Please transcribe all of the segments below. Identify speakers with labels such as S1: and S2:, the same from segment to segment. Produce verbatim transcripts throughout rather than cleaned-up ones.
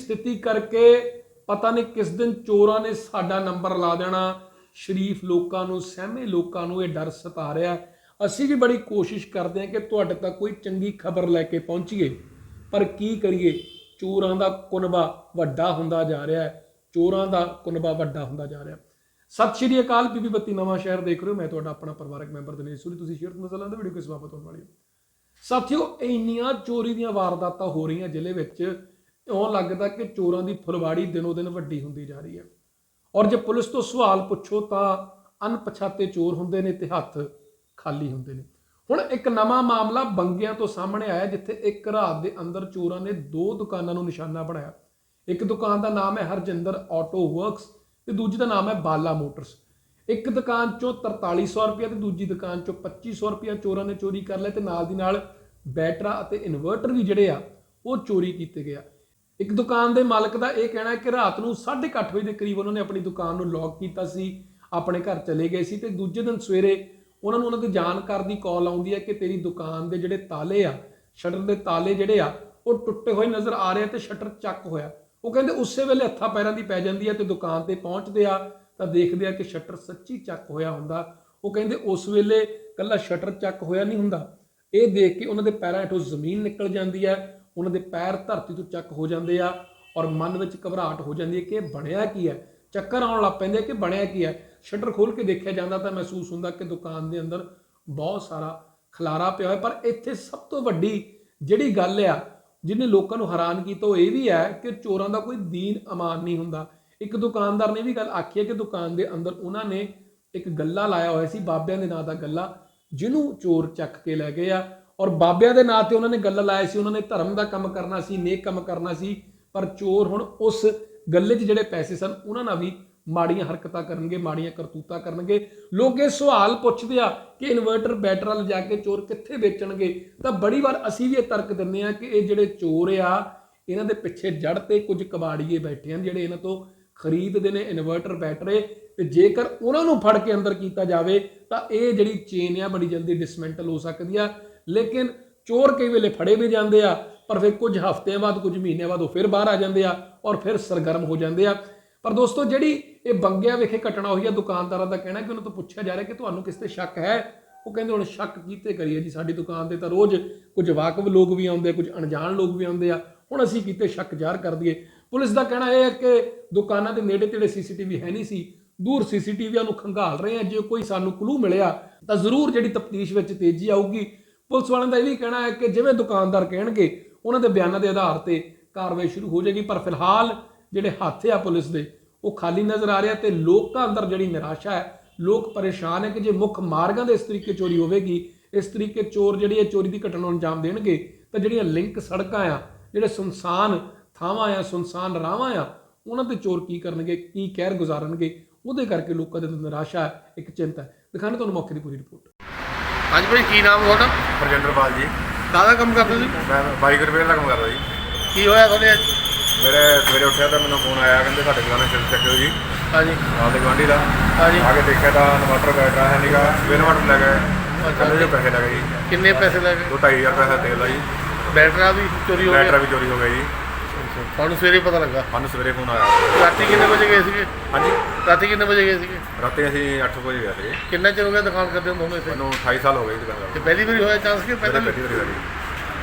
S1: स्थिति करके पता नहीं किस दिन चोरां ने साडा नंबर ला देना। शरीफ लोगों नूं, सहमे लोगों नूं ये डर सता रहा है। असीं भी बड़ी कोशिश करते हैं कि तुहाडे तक कोई चंगी खबर लैके पहुंचीए, पर की करिए, चोरां दा कुनबा वड्डा हुंदा जा रहा है, चोरां दा कुनबा वड्डा हुंदा जा रहा है। सत श्री अकाल, बीबी बत्ती नवां शहर देख रहे हो, मैं तुहाडा अपना परिवारक मैंबर दिनेश सूरी। तुसीं शेयर नज़र आउंदा वीडियो किस बाबत होने वाली है। साथियों, इन्नियां चोरी दीयां वारदातां हो रही जिले विच, इउं लगदा कि चोरां दी फुलवाड़ी दिनों दिन वड्डी हुंदी जा रही है। और जे पुलिस तो सवाल पुछो तो अनपछाते चोर हुंदे ने ते हत्थ खाली हुंदे ने। हुण एक नवां मामला बंगियां तो सामने आया, जिथे एक रात दे अंदर चोरां ने दो दुकानां नूं निशाना बनाया। एक दुकान का नाम है हरजिंदर ऑटो वर्क्स ते दूजी का नाम है बाला मोटर्स। एक दुकान चों तरताली सौ रुपया ते दूजी दुकान चों पच्ची सौ रुपया चोरां ने चोरी कर लिया, ते नाल दी नाल बैटरा अते इन्वर्टर भी जिहड़े आ वो चोरी कीते गए। एक दुकान के मालक का यह कहना है कि रात नूं साढ़े अठ बजे के करीब उन्होंने अपनी दुकान नूं लॉक किया सी, अपने घर चले गए सी, ते दूजे दिन सवेरे उन्होंने उन्होंने दी जानकार दी कॉल आउंदी है कि तेरी दुकान के जिहड़े ताले आ, शटर के ताले जिहड़े आ वो टुटे हुए नज़र आ रहे, ते शटर चक होया। वो कहते उस वेले हत्थां पैरां दी पै जांदी है, ते दुकान ते पहुंचते आ तां देखदे आ कि शटर सच्ची चक होया हुंदा। वो कहते उस वेले कल्ला शटर चक होया नहीं हुंदा, ये देख के उन्हां दे पैरां हेठों जमीन निकल जाती है, उन्हां दे पैर धरती तो चक हो जाते आ, और मन विच घबराहट हो जाती है कि बणिया की है। चक्कर आउण लग पैंदे कि बणिया की है। शटर खोल के देखिया जाता तो महसूस हुंदा कि दुकान के अंदर बहुत सारा खलारा पिया होया। पर इत्थे सब तो वड्डी जिहड़ी गल आ जिन्हें लोगों को हैरान किया तो यह भी है कि चोरों का कोई दीन अमान नहीं हुंदा। एक दुकानदार ने भी गल आखी है कि दुकान के अंदर उन्होंने एक गल्ला लाया हुआ सी, बाबिया के नां का गल्ला, जिन्हों चोर चक के लै गए आ। और बाबिया के नां ते उन्होंने गल्ला लाया सी, उन्होंने धर्म का काम करना सी, नेक काम करना सी, पर चोर हुण उस गल्ले च जिहड़े पैसे सन उन्होंने भी माड़ियां हरकतां करनगे, माड़ियां करतूतां करनगे। लोग ये सवाल पुछदे आ कि इन्वर्टर बैटरा लिजा के चोर कित्थे बेचणगे, तां बड़ी बार असीं भी ये तर्क दिंदे आ कि ये जिहड़े चोर आ इन्हां दे पिछे जड़ ते कुछ कबाड़ीए बैठे हैं जिहड़े इन्हां तो खरीददे ने इन्वर्टर बैटरे, ते जेकर उन्हां नूं फड़ के अंदर कीता जावे तां ये जिहड़ी चेन आ बड़ी जल्दी डिसमेंटल हो सकदी आ। लेकिन चोर कई वेले फड़े भी जांदे आ, पर फिर कुछ हफ्तिਆਂ बाद कुछ महीनों बाद वो फिर बाहर आ जाते हैं और फिर सरगर्म हो जाते हैं। पर दोस्तों जिहड़ी ये बंगिया विखे घटना हुई है, दुकानदारों का कहना है कि उन्होंने तो पूछा जा रहा है कि तुहानूं किस ते शक है। वो कहते हुण शक कीते करिए जी, साडी दुकान ते तां रोज़ कुछ वाकफ लोग भी आउंदे, कुछ अणजाण लोग भी आउंदे आ, हुण असीं कीते शक ज़ाहिर कर दईए। पुलिस का कहना यह है कि दुकानां दे नेड़े तेड़े सी सी टी वी है नहीं सी, दूर सी सी टी वी नूं खंगाल रहे हैं, जो कोई सानूं क्लू मिलिया तां जरूर जिहड़ी तफ्तीश विच तेजी आऊगी। पुलिस वालों का यह भी कहना है कि जिवें दुकानदार कहणगे उन्हां दे बयानां दे आधार ते कार्रवाई शुरू हो जाएगी। पर फिलहाल जिहड़े हत्थ आ पुलिस दे वो खाली नज़र आ रहा है, तो लोगों अंदर जिहड़ी निराशा है, लोग परेशान है कि जे मुख मार्गां दे इस तरीके चोरी होगी, इस तरीके चोर जिहड़ी चोरी की घटना अंजाम देणगे, तो जिहड़ियां लिंक सड़कां आ, जिहड़े सुनसान थावां आ, सुनसान राहां आ, उन्हां ते चोर की करनगे, की कहर गुजारनगे, उहदे करके लोगों दे निराशा है, एक चिंता है। दिखाने तुहानूं मौके दी पूरी रिपोर्ट।
S2: हाँ जी भाई, की नाम है तुहाडा?
S3: हरजिंदर पाल जी।
S2: काहदा काम करदे जी?
S3: मैं बाइक रिपेयर का काम करदा जी।
S2: की होया तुहाडे अज?
S3: मेरे सवेरे उठिया तो मैंने फोन आया, कहते साढ़े दुकान से चक्के जी।
S2: हाँ जी।
S3: नाल दे गुआंढी का।
S2: हाँ जी।
S3: आके देखा तो इन्वर्टर बैटरा है नहीं गा, इन्वर्टर ले गए, कहते जो पैसे लगे जी।
S2: किन्ने पैसे लगे?
S3: दो ढाई हज़ार पैसा तेल दा जी।
S2: बैटरा भी चोरी हो गया?
S3: बैटरा भी चोरी हो गया जी।
S2: तुहानूं सवेरे पता लगा?
S3: सानूं सवेरे फोन आया।
S2: राती किन्ने बजे गए सीगे?
S3: हाँ जी,
S2: राती किन्ने बजे गए सीगे?
S3: राती असीं अठ बजे गए थे।
S2: किन्ना चिर हो गया दुकान करदे हुंदे इत्थे?
S3: मैनूं अठाई साल हो गए दुकान करदे।
S2: ते पहली बारी होया चांस कि
S3: पहले
S2: पहले?
S3: पहली बारी होया जी।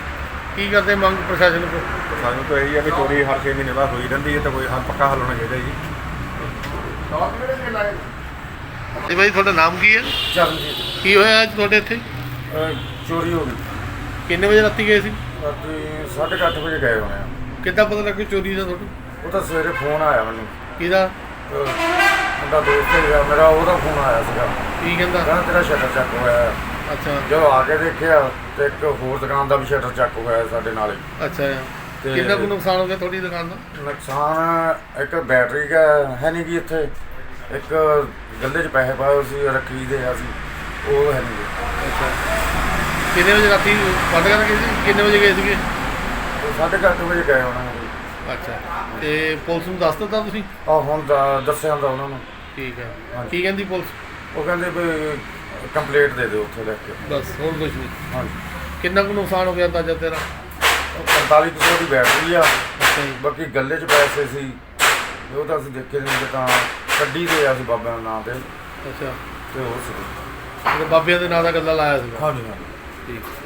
S2: की करदे मंग प्रशासन को?
S3: सानूं तो यही है कि चोरी हर छे महीने बाद होई रहिंदी है, तो कोई हल पक्का हल होना चाहिए जी।
S2: ਤੇ ਭਾਈ ਤੁਹਾਡਾ ਨਾਮ ਕੀ ਹੈ?
S4: ਚਰਨਜੀਤ।
S2: ਕੀ ਹੋਇਆ ਅੱਜ ਤੁਹਾਡੇ ਇੱਥੇ?
S4: ਚੋਰੀ ਹੋ ਗਈ
S2: ਕਿੰਨੇ ਵਜੇ ਰਾਤੀ ਗਏ ਸੀ?
S4: ਰਾਤੀ ਸਾਢੇ ਕੁ ਅੱਠ ਵਜੇ ਗਏ ਹੋਣੇ ਆ।
S2: ਕਿੱਦਾਂ ਪਤਾ ਲੱਗਿਆ ਚੋਰੀ ਦਾ ਤੁਹਾਨੂੰ?
S4: ਉਹ ਤਾਂ ਸਵੇਰੇ ਫੋਨ ਆਇਆ ਮੈਨੂੰ,
S2: ਕਿਹਦਾ?
S4: ਮੁੰਡਾ ਦੋਸਤ ਹੈਗਾ ਮੇਰਾ, ਉਹਦਾ ਫੋਨ ਆਇਆ ਸੀਗਾ,
S2: ਕੀ ਕਹਿੰਦਾ?
S4: ਕਹਿੰਦਾ ਤੇਰਾ ਸ਼ਟਰ ਚੱਕ ਹੋਇਆ।
S2: ਅੱਛਾ।
S4: ਜਦੋਂ ਆ ਕੇ ਦੇਖਿਆ ਤੇ ਇੱਕ ਹੋਰ ਦੁਕਾਨ ਦਾ ਵੀ ਸ਼ਟਰ ਚੱਕ ਹੋਇਆ ਸਾਡੇ ਨਾਲ ਹੀ।
S2: ਅੱਛਾ।
S4: ਤੇ
S2: ਕਿੰਨਾ ਕੁ ਨੁਕਸਾਨ ਹੋ ਗਿਆ ਤੁਹਾਡੀ ਦੁਕਾਨ ਦਾ?
S4: ਨੁਕਸਾਨ ਇੱਕ ਬੈਟਰੀ ਦਾ ਹੈ ਨਹੀਂ ਗੀ ਇੱਥੇ, ਇੱਕ ਗੱਲੇ 'ਚ ਪੈਸੇ ਪਾਏ ਹੋਏ ਸੀ ਰੱਖੀ ਦੇ ਅਸੀਂ, ਉਹ ਹੈ ਨਹੀਂ ਗੀ।
S2: ਅੱਛਾ। ਕਿੰਨੇ ਵਜੇ ਰਾਤੀ ਬੰਦ ਕਰ ਗਏ ਸੀ? ਕਿੰਨੇ ਵਜੇ ਗਏ ਸੀਗੇ?
S4: ਸਾਢੇ ਕੁ ਅੱਠ ਵਜੇ ਗਏ ਹੋਣਾ।
S2: ਅੱਛਾ। ਤੇ ਪੁਲਿਸ ਨੂੰ ਦੱਸ ਦਿੱਤਾ ਤੁਸੀਂ?
S4: ਆਹ ਹੁਣ ਦ- ਦੱਸਿਆ ਹੁੰਦਾ ਉਹਨਾਂ ਨੂੰ।
S2: ਠੀਕ ਹੈ।
S4: ਹਾਂਜੀ।
S2: ਕੀ ਕਹਿੰਦੀ ਪੁਲਿਸ?
S4: ਉਹ ਕਹਿੰਦੇ ਵੀ ਕੰਪਲੇਂਟ ਦੇ ਦਿਓ ਉੱਥੇ ਲੈ ਕੇ।
S2: ਬਸ ਹੋਰ ਕੁਝ ਨਹੀਂ?
S4: ਹਾਂਜੀ।
S2: ਕਿੰਨਾ ਕੁ ਨੁਕਸਾਨ ਹੋ ਗਿਆ ਅੰਦਾਜ਼ਾ ਤੇਰਾ?
S4: ਪੰਤਾਲੀ ਕੁ ਸੌ ਦੀ ਬੈਟਰੀ ਆ,
S2: ਅੱਛਾ ਜੀ।
S4: ਬਾਕੀ ਗੱਲੇ 'ਚ ਪੈਸੇ ਸੀ ਉਹ ਤਾਂ ਅਸੀਂ ਦੇਖੇ ਨਹੀਂ ਕਿ ਤਾਂ ਕੱਢੀ ਦੇ ਆ ਅਸੀਂ ਬਾਬਿਆਂ ਦੇ ਨਾਂ ਤੇ
S2: ਅੱਛਾ
S4: ਤੇ ਹੋਰ ਸੀ।
S2: ਤੇ ਬਾਬਿਆਂ ਦੇ ਨਾਂ ਦਾ ਗੱਲਾ ਲਾਇਆ ਸੀਗਾ।
S4: ਹਾਂਜੀ ਹਾਂਜੀ।
S2: ਠੀਕ